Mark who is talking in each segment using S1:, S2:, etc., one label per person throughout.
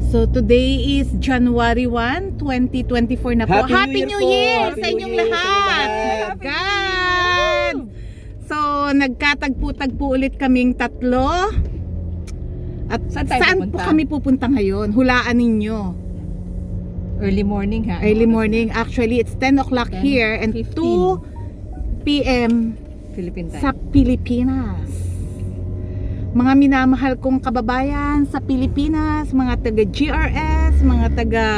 S1: So today is January 1, 2024 na po.
S2: Happy New Year po!
S1: Sa inyong lahat! God! So nagkatagpo-tagpo ulit kaming tatlo. At saan po kami pupunta ngayon? Hulaan ninyo.
S3: Early morning ha?
S1: Early morning. Actually, it's 10 o'clock here and 2 p.m.
S3: Philippine time.
S1: sa Pilipinas. Mga minamahal kong kababayan sa Pilipinas, mga taga GRS, mga taga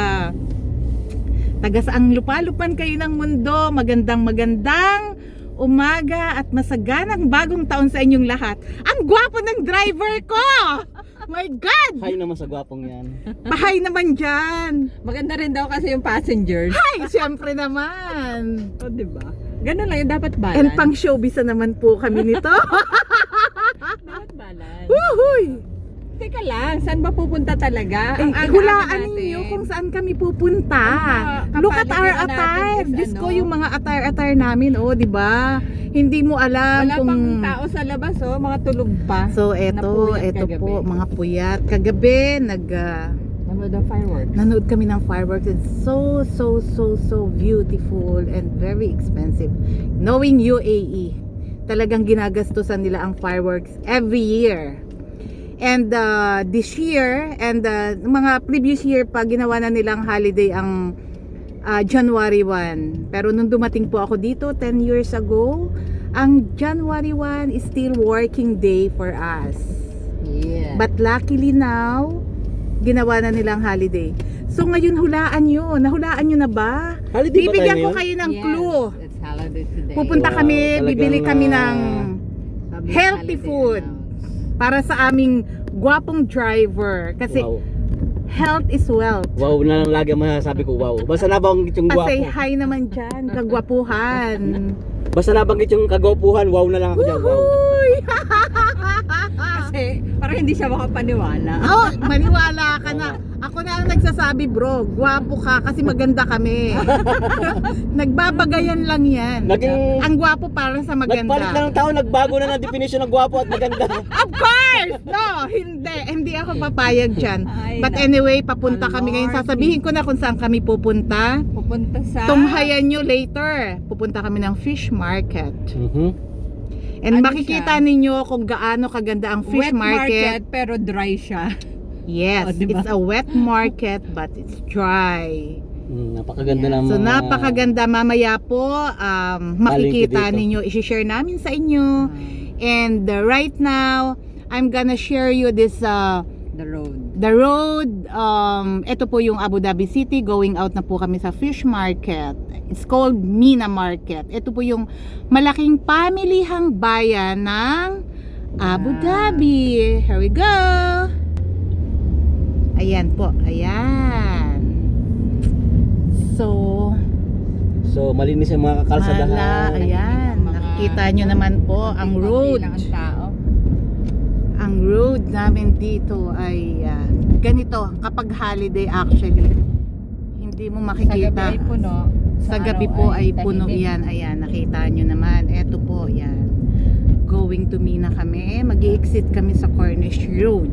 S1: saang lupa-lupan kayo ng mundo, magandang umaga at masaganang bagong taon sa inyong lahat. Ang gwapo ng driver ko! My God!
S2: Hi naman sa gwapong yan.
S1: Pahay naman dyan!
S3: Maganda rin daw kasi yung passengers.
S1: Hi! Siyempre naman!
S3: O, diba? Ganun lang yung dapat balance.
S1: And pang showbiz na naman po kami nito.
S3: Dapat balance.
S1: Woohooy!
S3: Teka lang, saan ba pupunta talaga?
S1: Hulaan ninyo kung saan kami pupunta. Look at our attire. Diyos ko, yung mga attire namin, oh, di ba? Hindi mo alam
S3: wala
S1: kung...
S3: pang tao sa labas, oh, mga tulog pa.
S1: So, eto po, mga puyat. Kagabi,
S3: Nanood ng fireworks.
S1: nanood kami ng fireworks. It's so beautiful and very expensive. Knowing UAE, talagang ginagastusan nila ang fireworks every year. And this year and mga previous year pa ginawa na nilang holiday ang January 1. Pero nung dumating po ako dito 10 years ago, ang January 1 is still working day for us.
S3: Yeah.
S1: But luckily now, ginawa na nilang holiday. So ngayon hulaan nyo. Nahulaan nyo na ba?
S2: Holiday ba
S1: Bibigyan
S2: tayo
S1: ko
S2: ngayon?
S1: kayo ng
S3: Yes,
S1: clue.
S3: it's holiday today.
S1: Pupunta
S2: Wow,
S1: kami,
S2: talagang,
S1: bibili kami ng
S3: Public
S1: healthy
S3: holiday
S1: food.
S3: announced.
S1: Para sa aming gwapong driver. Kasi
S2: Wow.
S1: health is wealth.
S2: Wow na lang lagi ang masasabi ko, wow. Basta nabanggit yung
S1: Pasay
S2: gwapo.
S1: hi naman dyan, kagwapuhan.
S2: Basta nabanggit yung kagwapuhan, wow na lang ako dyan, wow.
S1: Woohooy!
S3: Kasi parang hindi siya makapaniwala.
S1: Oh, maniwala ka na. Ako na ang nagsasabi, bro, gwapo ka kasi maganda kami. Nagbabagayan lang yan.
S2: Naging,
S1: Ang gwapo para sa
S2: nagpalit
S1: maganda.
S2: lang ng tao, nagbago na ng definition ng gwapo at maganda.
S1: Of course! No, hindi ako papayag dyan.
S3: Ay,
S1: But
S3: naku.
S1: anyway, papunta kami ngayon.
S3: Lord.
S1: Sasabihin ko na kung saan kami pupunta.
S3: Pupunta sa...
S1: Tunghayan nyo later. Pupunta kami ng fish market. And
S3: Ano
S1: makikita
S3: siya?
S1: ninyo kung gaano kaganda ang fish
S3: wet market.
S1: market.
S3: Pero dry siya.
S1: Yes,
S3: Oh, diba?
S1: it's a wet market but it's dry.
S2: Napakaganda
S3: Yeah.
S2: ng
S1: So
S2: mga...
S1: napakaganda. Mamaya po makikita
S2: dito.
S1: ninyo, i-share namin sa inyo. And right now, I'm gonna share you this
S3: The road.
S1: the road. Ito po yung Abu Dhabi City. Going out na po kami sa fish market. It's called Mina Market. Ito po yung malaking pamilihang bayan ng Abu Dhabi. Here we go. Ayan po. Ayan. So,
S2: So, malinis yung mga kakalsadahan.
S1: ayan. Nakikita nyo naman po ang road.
S3: Ang tao.
S1: Ang road namin dito ay ganito kapag holiday actually. Hindi mo
S3: Sa gabi
S1: makikita.
S3: ay puno.
S1: Sa gabi po ay puno
S3: tahimik.
S1: yan. Ayan, nakita nyo naman. Eto po, yan. Going to Mina kami. Mag-i-exit kami sa Cornish Road.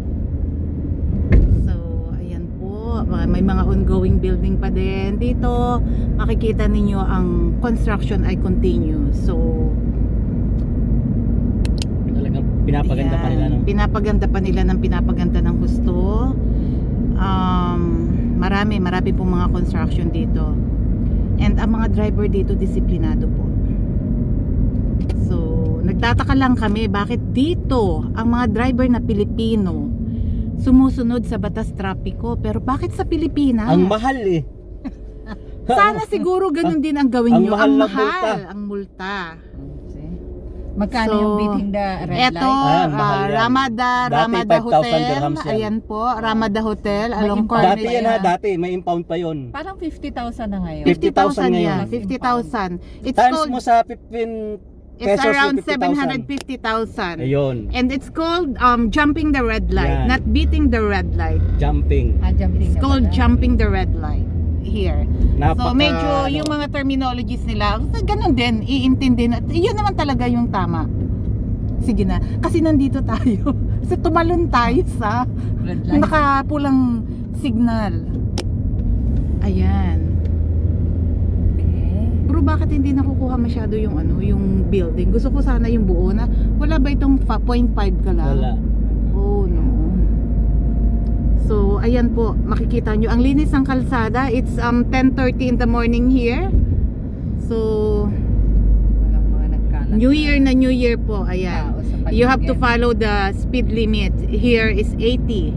S1: So, ayan po. May mga ongoing building pa din. Dito, makikita ninyo ang construction ay continue. So,
S2: Talagang pinapaganda pa nila. No?
S1: Pinapaganda ng gusto. Marami pong mga construction dito. And ang mga driver dito disiplinado po. So, nagtataka lang kami bakit dito ang mga driver na Pilipino sumusunod sa batas trapiko, pero bakit sa Pilipinas?
S2: Ang mahal eh.
S1: Sana siguro ganun din ang gawin
S2: Ang
S1: nyo.
S2: mahal
S1: Ang
S2: na
S1: mahal ang multa.
S3: Magkano
S1: So,
S3: yung beating the red
S1: Eto,
S3: light?
S2: Ayan, mahal yan.
S1: Ramada
S2: Dati, 5,000
S1: Hotel.
S2: dirhams yan.
S1: Ayan po, Ramada Hotel along
S3: impound
S2: Dati
S1: Cornish.
S2: yan ha, dati. May impound pa yon.
S3: Parang 50,000 na ngayon.
S2: 50,000
S1: 50,000 yan,
S2: ngayon.
S1: 50,000. It's
S2: Times
S1: called,
S2: mo sa 15
S1: it's
S2: pesos,
S1: around
S2: 50,000.
S1: 750,000.
S2: Ayun,
S1: And it's called jumping the red light,
S2: Yan.
S1: not beating the red light.
S2: jumping.
S3: Jumping
S1: It's
S3: na
S1: called
S3: pala.
S1: jumping the red light here. So
S2: Napaka,
S1: medyo yung mga terminologies nila, ganun din, iintindi na. Yun naman talaga yung tama. Sige na, kasi nandito tayo. Kasi tumalon tayo sa
S3: Red light.
S1: nakapulang signal. Ayan.
S3: Okay.
S1: Bro, bakit hindi nakukuha masyado yung ano, yung building? Gusto ko sana yung buo na. Wala ba itong 0.5 ka lang?
S2: Wala.
S1: Oh no. So, ayan po, makikita nyo. Ang linis ng kalsada. It's 10:30 in the morning here. So,
S3: Walang mga nagkalat.
S1: New Year po. Ayan.
S3: Tao sa
S1: You have to
S3: paligid.
S1: follow the speed limit. Here is 80.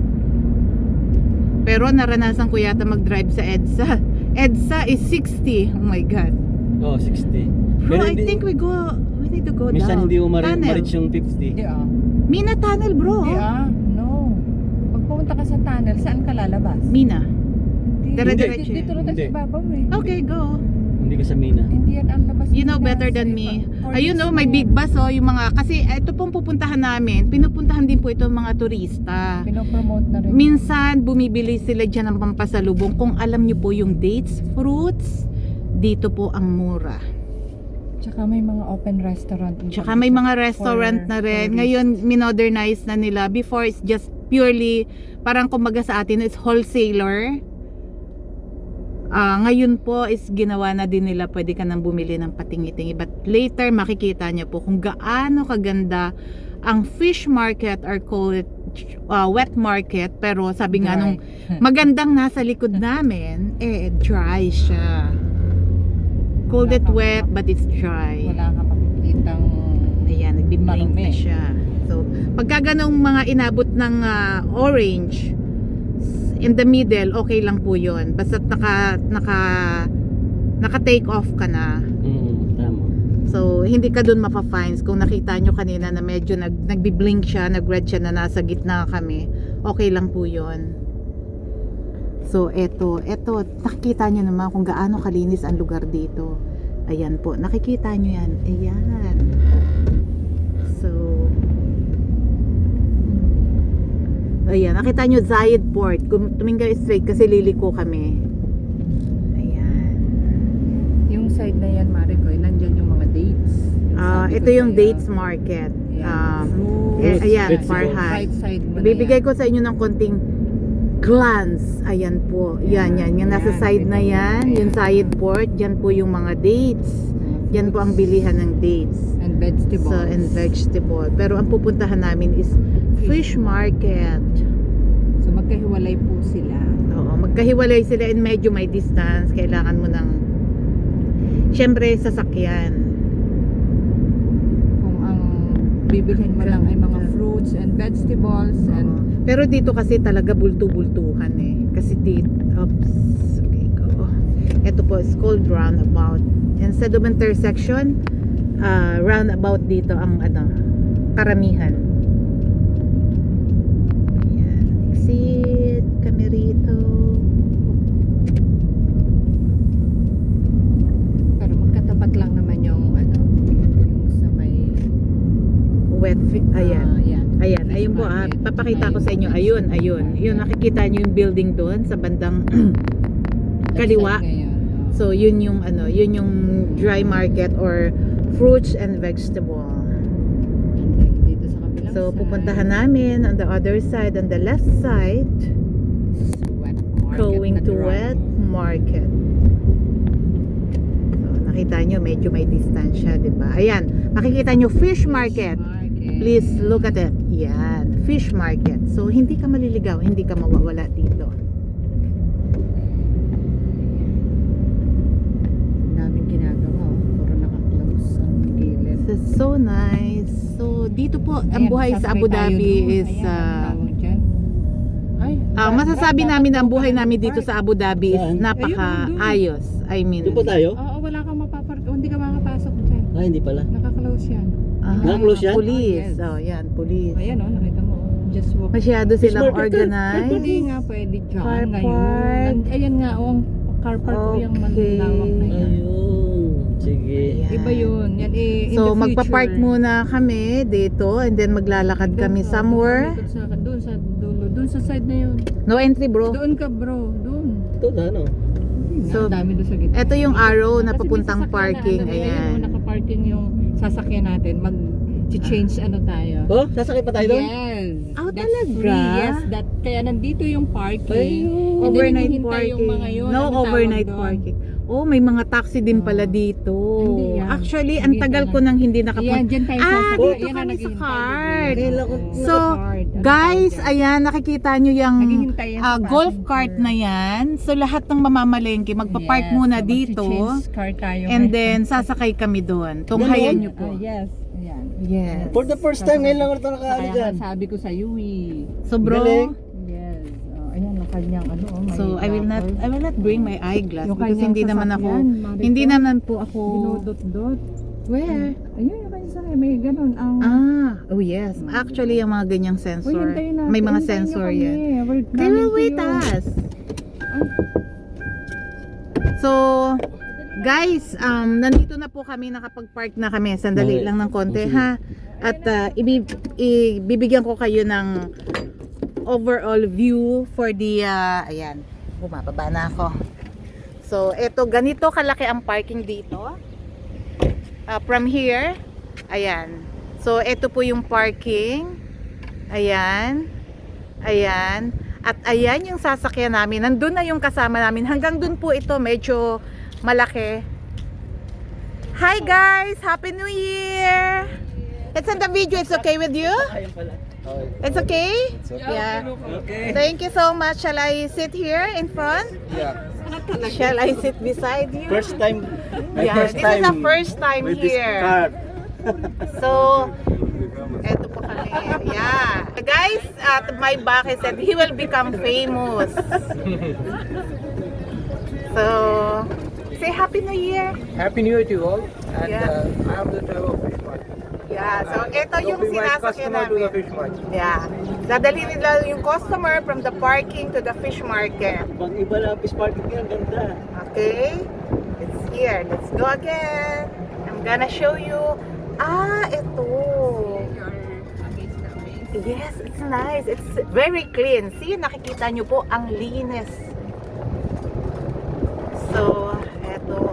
S1: Pero naranasan ko yata mag-drive sa EDSA. EDSA is 60. Oh my God.
S2: Oh, 60.
S1: Bro, I
S2: hindi-
S1: think we need to go
S2: minsan
S1: down.
S2: hindi mo
S1: Tunnel.
S2: ma-reach yung 50.
S3: Hindi
S1: Mina Tunnel, bro.
S3: No. Pag pumunta ka sa tunnel, saan ka lalabas?
S1: Mina.
S3: Hindi.
S1: Dire-diretso
S3: Dito lang tayo
S2: Hindi.
S3: sa ibabaw eh.
S1: Okay, go.
S2: Hindi ka sa Mina.
S3: Hindi yan ang labas.
S1: You know
S3: nila
S1: better
S3: sa
S1: than
S3: iba.
S1: me.
S3: Or
S1: Ayun
S3: mismo.
S1: oh, may big bus oh, yung mga, kasi ito pong pupuntahan namin, pinupuntahan din po ito ng mga turista.
S3: Pinopromote na rin.
S1: Minsan, bumibili sila dyan ng pampasalubong. Kung alam nyo po yung dates, fruits, dito po ang mura.
S3: Tsaka may mga open restaurant.
S1: Tsaka may mga restaurant na rin. Ngayon, minodernize na nila. Before, it's just purely, parang kumbaga sa atin, it's wholesaler. Ngayon po is ginawa na din nila, pwede ka nang bumili ng patingi-tingi. But later, makikita nyo po kung gaano kaganda ang fish market or call it wet market. Pero sabi nga nung magandang nasa likod namin, dry siya. Called it wet, but it's dry.
S3: Wala ka makikitang
S1: Ayan, nagbiblink na
S3: marumi.
S1: siya. So, pagka ganong mga inabot ng orange, in the middle, okay lang po yun. Basta naka-take off ka na.
S2: Tama.
S1: So, hindi ka dun mapa-fines. Kung nakita nyo kanina na medyo nagbiblink siya, nag-red siya na nasa gitna kami, okay lang po yun. So, eto, nakikita nyo naman kung gaano kalinis ang lugar dito. Ayan po, nakikita nyo yan. Ayan. So, ayan, nakita nyo Zayed Port. Tumingin kayo straight kasi liliko kami. Ayan.
S3: Yung side na yan, Maricoy, nandyan yung mga dates. Sabi
S1: Ito
S3: ko
S1: yung
S3: sa'yo.
S1: dates market.
S3: Ayan.
S2: Fruits,
S1: Ayan,
S2: vegetables.
S1: Farhan.
S3: Right side mo na
S1: Ibibigay
S3: yan.
S1: ko sa inyo ng konting glance. Ayan po. Yan. Yung nasa
S3: Yan,
S1: side na yan.
S3: ayan.
S1: Yung Zayed Port. Yan po yung mga dates. Yan po ang bilihan ng dates.
S3: And vegetables.
S1: So, and vegetable. Pero ang pupuntahan namin is fish market.
S3: So magkahiwalay po sila.
S1: Oo, magkahiwalay sila and medyo may distance. Kailangan mo ng syempre sasakyan.
S3: Kung ang bibilhin mo lang ay mga fruits and vegetables and
S1: Pero dito kasi talaga bultu-bultuhan eh. Kasi dito, okay, go. Ito po is called roundabout. Instead of intersection, roundabout dito ang karamihan. Ayan, exit kami rito.
S3: pero magkatapat lang naman yung yung sa may
S1: Ayan.
S3: yan.
S1: Ayan,
S3: Fish
S1: ayun po
S3: market.
S1: papakita ko sa inyo. Ayun. Yun, nakikita nyo yung building doon sa bandang kaliwa.
S3: Left side ngayon.
S1: So, yun yung yun yung dry market or fruits and vegetable.
S3: And then dito sa kabilang
S1: So,
S3: side,
S1: pupuntahan namin on the other side, on the left side,
S3: wet market
S1: going
S3: na
S1: to
S3: dry.
S1: wet market. So, nakita nyo, medyo may distansya, di ba? Ayan, makikita nyo, fish market. Please look at it. Yan, fish market. So, hindi ka maliligaw, hindi ka mawawala dito.
S3: Daming ginagawa. Puro naka-close ang gilid.
S1: So, so nice. So, dito po, ang
S3: Ayan,
S1: buhay sa Abu
S3: sasakay tayo
S1: Dhabi
S3: doon.
S1: is
S3: Ayan, ang tawag dyan. Ay,
S1: masasabi
S3: dapat
S1: namin na ang
S3: po
S1: buhay
S3: ka
S1: namin
S3: ng
S1: dito
S3: park.
S1: sa Abu Dhabi is
S2: Saan?
S1: napaka-ayos. I mean,
S2: Doon po tayo?
S3: Oo, wala kang mapapark. Hindi ka makapasok dyan.
S2: Hindi pala.
S3: Naka-close yan.
S2: Naka-close yan?
S1: Police.
S3: Oh, yes.
S1: Oh, yan, police.
S3: Ayan nakita mo. Just walk.
S1: Masyado silang
S2: market,
S1: organized.
S3: Hindi nga pwede dyan
S1: Car
S3: ngayon.
S1: park.
S3: Ayan nga, ang car park ko yung
S1: Okay.
S3: malawak na yan.
S2: Ayun. Sige.
S1: Ayan.
S3: Iba yun. Yan in
S1: So,
S3: the future.
S1: magpa-park muna kami dito and then maglalakad kami somewhere.
S3: Doon sa dulo. Doon sa side na yun.
S1: No entry, bro.
S3: Doon ka bro. Doon.
S2: Ito ano?
S1: So,
S3: dami doon sa gitna.
S1: Ito yung arrow na
S3: Kasi may
S1: papuntang
S3: sasakyan
S1: parking.
S3: na, ano,
S1: Ayan.
S3: nakaparking yung sasakyan natin. Mag-change ano tayo.
S2: Oh, sasakay pa tayo doon?
S3: Yes.
S1: Oh,
S3: That's
S1: talaga?
S3: free. Yes, kaya nandito yung parking.
S2: Ayun.
S3: And then
S1: Overnight
S3: hinihintay
S1: parking.
S3: Yung mga yun,
S1: No
S3: ano tawag
S1: overnight
S3: doon?
S1: parking. Oh, may mga taxi din pala dito.
S3: Hindi yan.
S1: Actually, ang
S3: Hindi
S1: tagal
S3: ka
S1: ko
S3: na.
S1: nang hindi
S3: Ayan,
S1: nakapunta.
S3: dyan tayo
S1: Ah,
S3: sasakay.
S1: dito
S3: Ayan na,
S1: kami sa
S3: naghihintay
S1: card.
S3: din.
S2: Kailan ko
S1: So,
S3: Card. Ano
S1: guys,
S3: tawag dyan?
S1: ayan, nakikita nyo yung
S3: Naghihintay yan sa
S1: golf
S3: passenger.
S1: cart na yan. So, lahat ng mamamalengke, magpa-park
S3: Yes,
S1: muna
S3: so
S1: dito.
S3: mag-change car tayo.
S1: And then, sasakay kami doon. Tunghayan nyo po.
S3: Yes. Ayan.
S1: Yes.
S2: For the first time, ngayon lang ako nakaano
S3: Kaya
S2: dyan.
S3: nga sabi ko sa iyo eh.
S1: So, bro,
S2: Galing.
S3: Yes. Ayan, ang kanyang ano. May
S1: so I will not bring my eyeglass
S3: Yung
S1: because
S3: kanyang
S1: hindi naman ako,
S3: sasakyan, Maricel.
S1: hindi naman po ako,
S3: Dinodot-dot.
S1: where?
S3: Ayun, yung kanyang sakay. May ganun. Ang...
S1: Oh yes. Actually, yung mga ganyang
S3: Uy,
S1: sensor,
S3: hintayin natin.
S1: may mga
S3: Hintayin niyo
S1: sensor
S3: kami.
S1: yan.
S3: We're
S1: They will
S3: coming to
S1: wait
S3: you.
S1: us. So, guys, nandito na po kami, nakapag-park na kami. Sandali
S2: Okay.
S1: lang ng konti,
S2: Okay.
S1: ha? At ibibigyan ko kayo ng overall view for the, ayan, bumababa na ako. So, eto, ganito kalaki ang parking dito. From here, ayan. So, eto po yung parking. Ayan. Ayan. At ayan yung sasakyan namin. Nandun na yung kasama namin. Hanggang dun po ito, medyo malaki. Hi guys! Happy New Year! It's in the video. It's okay with you?
S2: Ayun pala.
S1: It's okay? Yeah.
S2: Okay.
S1: Thank you so much. Shall I sit here in front?
S2: Yeah.
S1: Shall I sit beside you?
S2: First time. My
S1: Yeah,
S2: first
S1: this
S2: time
S1: is the first time
S2: with this
S1: here.
S2: car.
S1: So, eto po kami. Yeah. Guys, at my back, he said he will become famous. So, say Happy New Year.
S4: Happy New Year to you all. And
S1: Yeah.
S4: I am the driver of Fish Mart.
S1: Yeah, so ito yung
S4: Helping my
S1: sinasakyan
S4: customer to the
S1: namin.
S4: Fish Mart.
S1: Yeah. Dadali nila yung customer from the parking to the fish market.
S2: Pag iba lang fish market yan, ganda.
S1: Okay? It's here. Let's go again. I'm gonna show you. Ito. Yes, it's nice. It's very clean. See, nakikita nyo po ang linis. So, eto.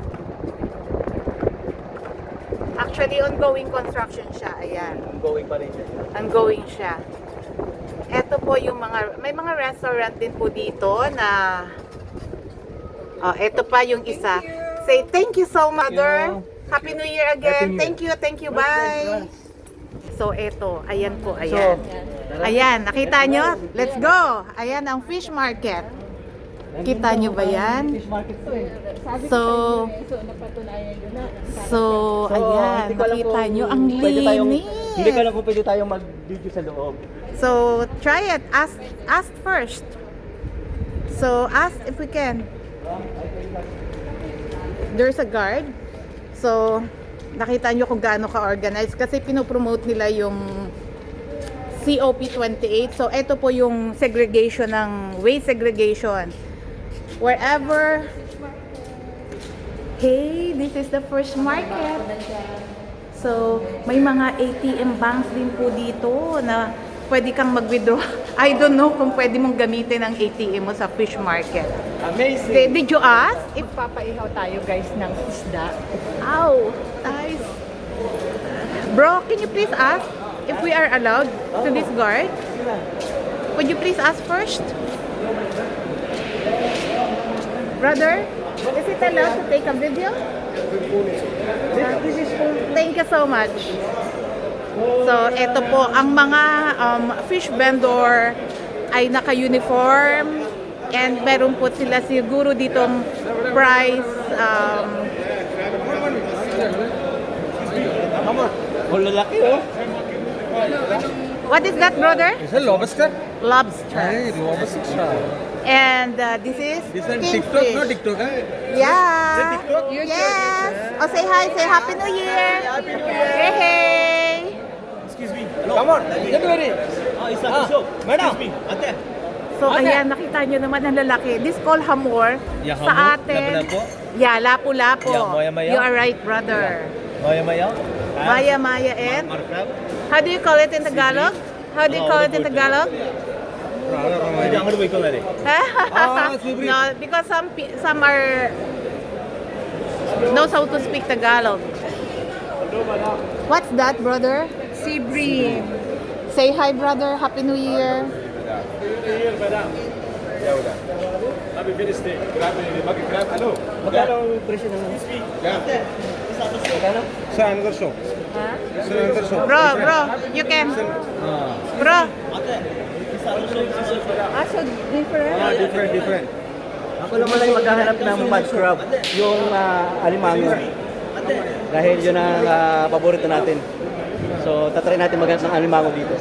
S1: Actually, ongoing construction siya. Ayan.
S2: Going pa rin siya.
S1: Ongoing siya. Eto po yung may mga restaurant din po dito na eto pa yung isa. Say thank you so much, mother. Happy New Year again.
S4: Happy New Year.
S1: Thank you, bye. So eto, ayan po, ayan. Ayan, nakita nyo? Let's go. Ayan ang fish market. Kita nyo ba yan?
S2: Fish market to eh.
S1: So,
S3: napatunayan yun na.
S1: ayan,
S2: hindi ko alam
S1: nakita
S2: kung
S1: nyo, ang
S2: pwede tayong-
S1: linis.
S2: Hindi ko alam kung pwede tayong mag-video sa loob.
S1: So, try it. Ask first. So, ask if we can. There's a guard. So, nakita nyo kung gaano ka-organized kasi pinopromote nila yung COP28. So, ito po yung segregation ng waste segregation. Wherever. Hey, this is the first market. So, may mga ATM banks din po dito na pwede kang mag-withdraw. I don't know kung pwede mong gamitin ang ATM mo sa fish market.
S2: Amazing!
S1: Did you ask? If,
S3: Papaihaw tayo guys ng isda.
S1: ow, nice. Bro, can you please ask if we are allowed to this guard? Would you please ask first? Brother, is it allowed to take a video?
S2: This is for...
S1: Thank you so much. So, ito po, ang mga fish vendor ay naka-uniform and meron po sila siguro ditong price.
S2: Oh, lalaki oh.
S1: What is that, brother?
S4: Is it lobster?
S1: Lobster.
S4: Hey, lobster.
S1: And this is
S4: This is TikTok,
S1: kingfish.
S4: no TikTok, eh?
S1: Yeah. Yes. Oh, say hi. Say Happy New Year. Happy New Year. Hey, hey.
S4: Excuse me. Come on, get ready.
S2: Isa puso.
S4: Madam.
S2: Ate.
S1: So, ayan, nakita nyo naman ang lalaki. This called hamor.
S2: Yeah,
S1: Sa
S2: hamor.
S1: atin.
S2: Lapu-lapu.
S1: Yeah, lapu-lapu.
S2: Yeah, maya-maya.
S1: You are right, brother.
S2: Maya-maya.
S1: Maya-maya and? How do you call it in Tagalog? How do you call it in Tagalog?
S2: Pwede ang harboy ko na rin.
S4: Subri.
S1: No, because some are knows how to speak Tagalog. What's that, brother?
S3: Sea bream.
S1: Say hi, brother. Happy New Year.
S2: Magkano ang presyo ng Magkano?
S4: Sa another show.
S3: Ha?
S4: Sa another show.
S1: Bro, you can. Bro,
S3: Ah, so different?
S4: Different.
S2: Ako naman ay maghahanap ng mud crab, yung alimango. Dahil yun ang paborito natin. So, tatry natin maghanap ng alimango dito.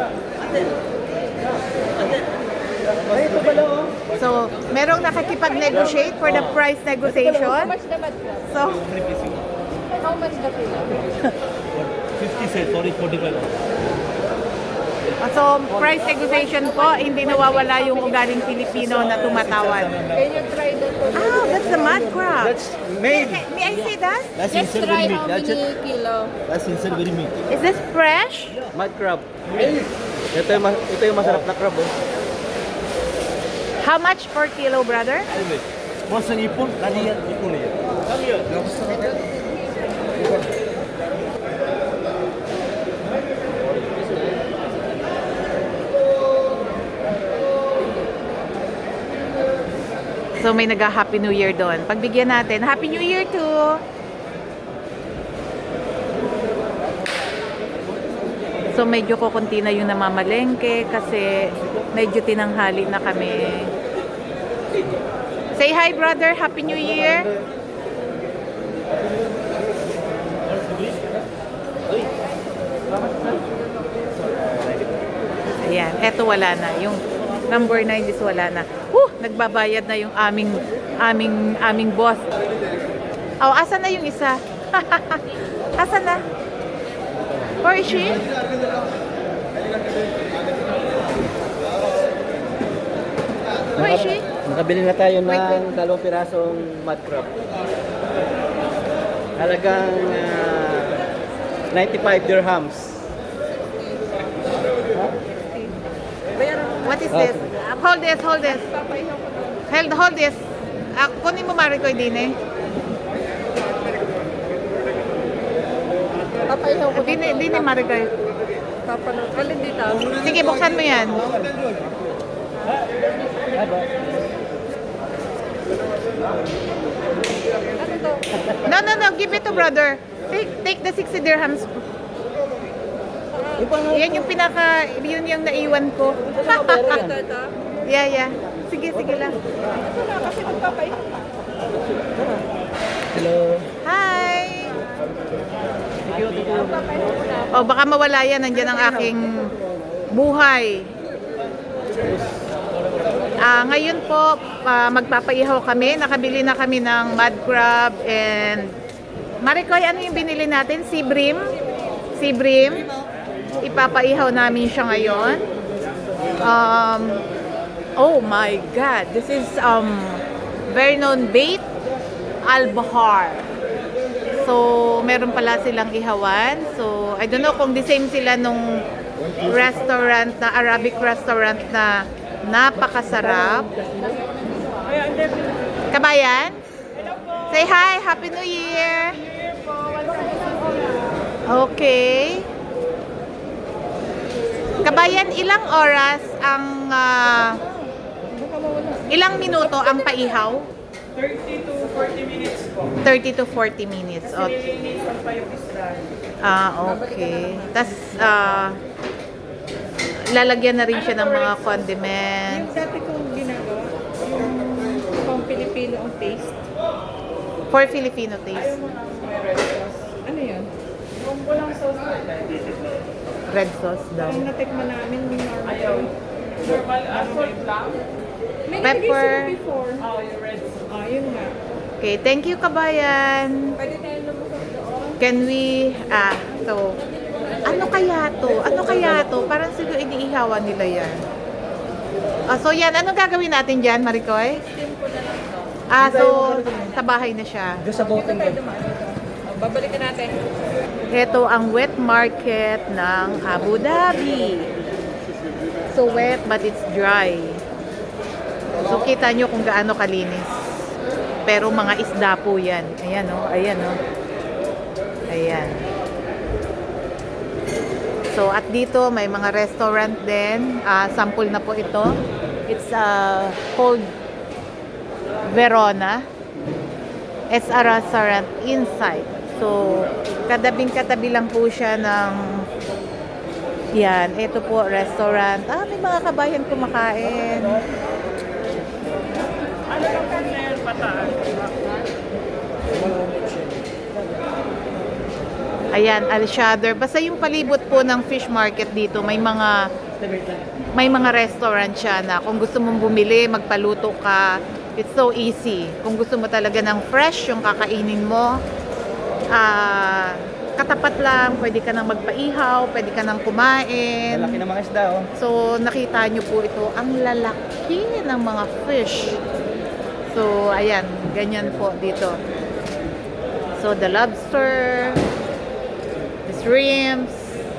S2: Ay, ito pala oh.
S1: so merong nakakipag-negotiate for the price
S3: How
S1: negotiation.
S3: much the bad crab?
S1: So,
S3: How much the kilo?
S2: 50 cents, sorry, 45.
S1: so price negotiation po, hindi nawawala yung ugaling Pilipino na tumatawad.
S3: Can you try that for me?
S1: Ah, that's the mud crab.
S2: That's made.
S1: May I see that?
S2: That's
S3: Let's
S2: in
S3: try
S2: silvery meat.
S3: how many kilo.
S2: That's in silvery meat.
S1: Is this fresh?
S2: Mud crab. Ito yung masarap na crab oh.
S1: How much per kilo, brother?
S2: Once ang ipon, nani yan? Ipon yan.
S1: So may nag-Happy New Year doon. Pagbigyan natin, Happy New Year too! So medyo kukunti na yung namamalengke kasi medyo tinanghali na kami. Say hi, brother! Happy New Year! Ayan, eto wala na. Yung number 9 is wala na. Nagbabayad na yung aming boss. Oh, asan na yung isa? Asan na? Where is she? Where is she?
S2: Nakabili na tayo ng 2 pirasong mud crab. Halagang 95 dirhams.
S1: What is this? Hold this, hold this. Hold this. Kunin mo Maricoy din eh.
S3: Papaihaw ko
S1: Din eh Maricoy.
S3: Papanood. Alin dito?
S1: Sige, buksan mo yan.
S3: Ano to?
S1: No. Give it to brother. Take the 60 dirhams. Yan yung yun yung naiwan ko.
S3: Ito.
S1: Yeah. Sige lang.
S3: Ito na kasi magpapaihaw.
S2: Hello.
S1: Hi!
S3: Papaihaw ko na.
S1: Oh, baka mawala yan. Nandiyan ang aking buhay. Ngayon po, magpapaihaw kami. Nakabili na kami ng mud crab and Maricoy, ano yung binili natin? Sea bream? Sea bream. Ipapaihaw namin siya ngayon. Oh my God! This is very known bait, Al-Bahar. So, meron pala silang ihawan. So, I don't know kung the same sila nung restaurant na Arabic restaurant na napakasarap. Kabayan? Say hi! Happy New Year! Okay. Kabayan, ilang oras ang ilang minuto ang paihaw?
S5: 30 to 40 minutes po.
S1: 30 to 40 minutes.
S5: Kasi nililisan pa yung isda.
S1: Okay. Tapos, lalagyan na rin siya ng mga condiments.
S3: Yung dati kong ginagawa, yung pang Pilipino ang taste.
S1: For Filipino taste.
S3: Ano yun?
S5: Kung walang sauce po,
S1: Red sauce daw.
S3: Ang natikman namin yung normal.
S5: ayaw. Normal, may black.
S3: May
S1: Pepper.
S3: nilagay sila before.
S5: Oh, yung red sauce.
S3: Yun nga.
S1: Okay, thank you, Kabayan.
S3: Pwede tayo lumusok doon.
S1: Can we, so, ano kaya to? Parang siguro iniihawan nila yan. So yan, anong gagawin natin dyan, Maricoy?
S3: Steam ko na lang to.
S1: So, sa bahay na siya.
S2: Doon sa boating
S3: Tayo dumaan dito. Babalikan natin.
S1: Ito ang wet market ng Abu Dhabi. So wet but it's dry. So kita nyo kung gaano kalinis. Pero mga isda po yan. Ayan o, ayan o. Ayan. So, at dito may mga restaurant din. Sample na po ito. It's called Verona. It's a restaurant inside. So, kadabing-katabi lang po siya ng yan. Ito po, restaurant. May mga kabayan kumakain.
S5: Ano lang kami na yan, pataan?
S1: Ayan, Al-Shader. Basta yung palibot po ng fish market dito, may mga restaurant siya na kung gusto mong bumili, magpaluto ka, it's so easy. Kung gusto mo talaga ng fresh yung kakainin mo, katapat lang, pwede ka nang magpaihaw, pwede ka nang kumain.
S2: Malaki ng mga isda, oh.
S1: So, nakita nyo po ito, ang lalaki ng mga fish. So, ayan, ganyan po dito. So, the lobster, the shrimps.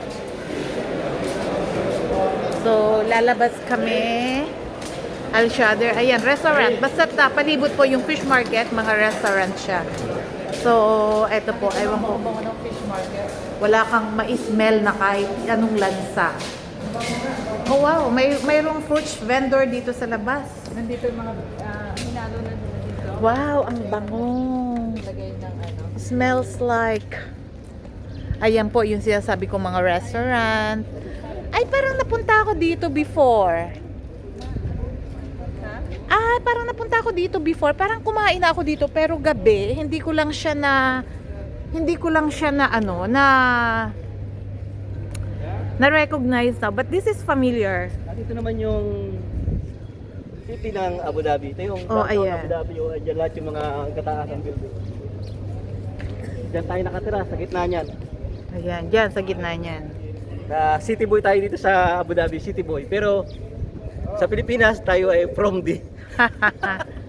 S1: So, lalabas kami. Al-Shader, ayan, restaurant. Basta palibot po yung fish market, mga restaurant siya. So, eto po, ewan ko. Wala kang ma-smell na kahit anong lansa. Oh wow, mayroong fruits vendor dito sa labas.
S3: Nandito yung mga hinalo na nila dito.
S1: Wow, ang bango.
S3: Lagay ng ano.
S1: Smells like... Ayan po yung sinasabi ko mga restaurant. Ay, parang napunta ako dito before. Parang napunta ako dito before. Parang kumain na ako dito pero gabi, hindi ko lang siya na recognize na. But this is familiar.
S2: Dito naman yung city ng Abu Dhabi. Ito yung
S1: Oh,
S2: downtown
S1: ayan.
S2: Abu Dhabi. Diyan lahat yung mga kataasang building. Diyan tayo nakatira, sa gitna niyan.
S1: Ayan, dyan sa gitna niyan.
S2: City boy tayo dito sa Abu Dhabi, city boy. Pero sa Pilipinas, tayo ay from the